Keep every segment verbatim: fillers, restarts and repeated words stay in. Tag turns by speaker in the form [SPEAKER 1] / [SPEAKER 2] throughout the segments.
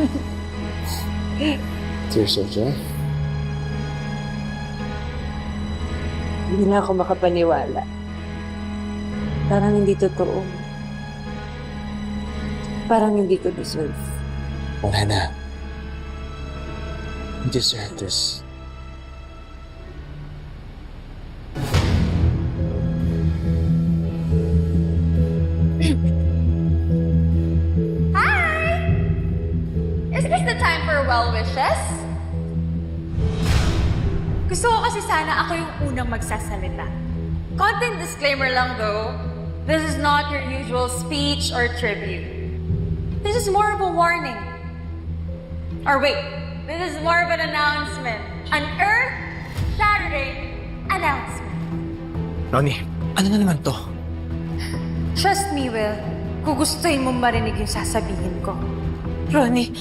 [SPEAKER 1] Tears of joy?
[SPEAKER 2] Hindi na ako makapaniwala. Parang hindi totoo. Parang hindi ko deserve.
[SPEAKER 1] Wala na. You deserve this.
[SPEAKER 3] Hi! Is this the time for well wishes? Gusto ko kasi sana ako yung unang magsasalita. Content disclaimer lang though, this is not your usual speech or tribute. This is more of a warning. Or wait, this is more of an announcement. An earth-shattering announcement.
[SPEAKER 1] Ronnie, ano na naman to?
[SPEAKER 3] Trust me, Will. Gugustuhin mo marinig yung sasabihin ko.
[SPEAKER 2] Ronnie,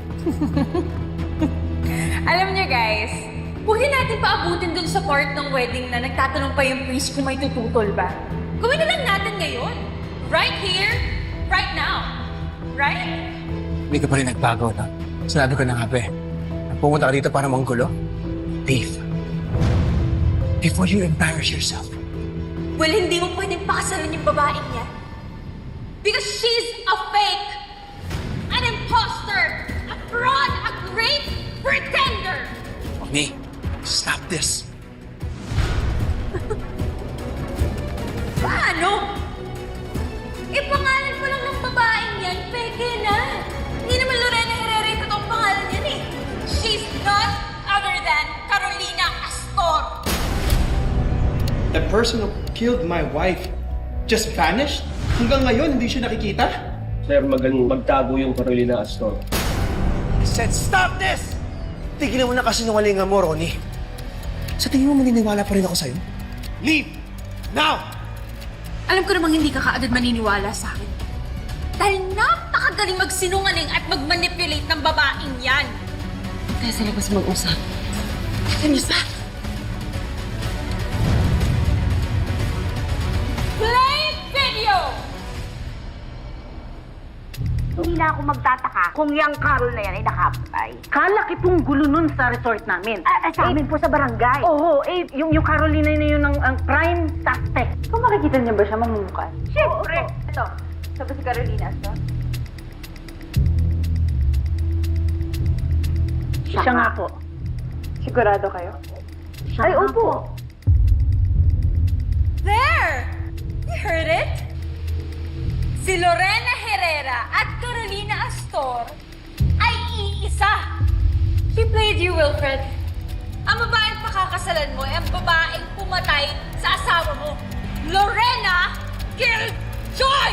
[SPEAKER 3] Alam niyo guys, huwag din natin paabutin dun sa part ng wedding na nagtatanong pa yung priest kung may tututol ba. Gawin na lang natin ngayon. Right here, right now. Right?
[SPEAKER 1] Hindi ka pa rin nagbago, no? Sinabi ko na nga, be. Pumunta ka dito para manggulo? Leave. Before you embarrass yourself.
[SPEAKER 3] Well, hindi mo pwedeng pakasalan yung babaeng yan. Because she's a fake, an imposter, a fraud, a great pretender.
[SPEAKER 1] Ronnie, stop this.
[SPEAKER 3] Paano? Eh, pangalan mo lang ng babaeng yan, peke na. Hindi naman Lorena Herrera yung totoong pangalan yan eh. She's not other than Carolina Astor.
[SPEAKER 4] The person who killed my wife just vanished? Hanggang ngayon, hindi siya nakikita?
[SPEAKER 5] Sir, magaling magtago yung Carolina Astor.
[SPEAKER 1] I said stop this! Tigilan mo na kasinungalingan mo, Ronnie. Sa tingin mo maniniwala pa rin ako sa'yo? Leave! Now!
[SPEAKER 3] Alam ko namang hindi ka kaagad maniniwala sa akin. Dahil napakagaling magsinungaling at magmanipulate ng babaeng yan.
[SPEAKER 2] tayo sa labas mag-usap.
[SPEAKER 3] Ano ba? Play video!
[SPEAKER 6] Hindi na ako magtataka kung yung Carol na yan ay nakapatay.
[SPEAKER 7] Kalaki pong gulo nun sa resort namin.
[SPEAKER 6] Ah, ah, sa amin po sa barangay.
[SPEAKER 7] Oo, eh, yung, yung Carolina na yun ang, ang prime suspect.
[SPEAKER 2] Kung makikita niyo ba siya mamumukhaan?
[SPEAKER 6] Siyempre.
[SPEAKER 2] Ito, sabi si Carolina Astor.
[SPEAKER 7] Siya, Siya nga po.
[SPEAKER 2] Sigurado kayo?
[SPEAKER 7] Siya
[SPEAKER 6] Ay,
[SPEAKER 7] nga
[SPEAKER 6] opo.
[SPEAKER 7] po.
[SPEAKER 3] There! You heard it? Si Lorena Herrera at Carolina Astor ay iisa. She played you, Wilfred. Ang babaeng pakakasalan mo ay ang babaeng pumatay sa asawa mo. Lorena Killjoy!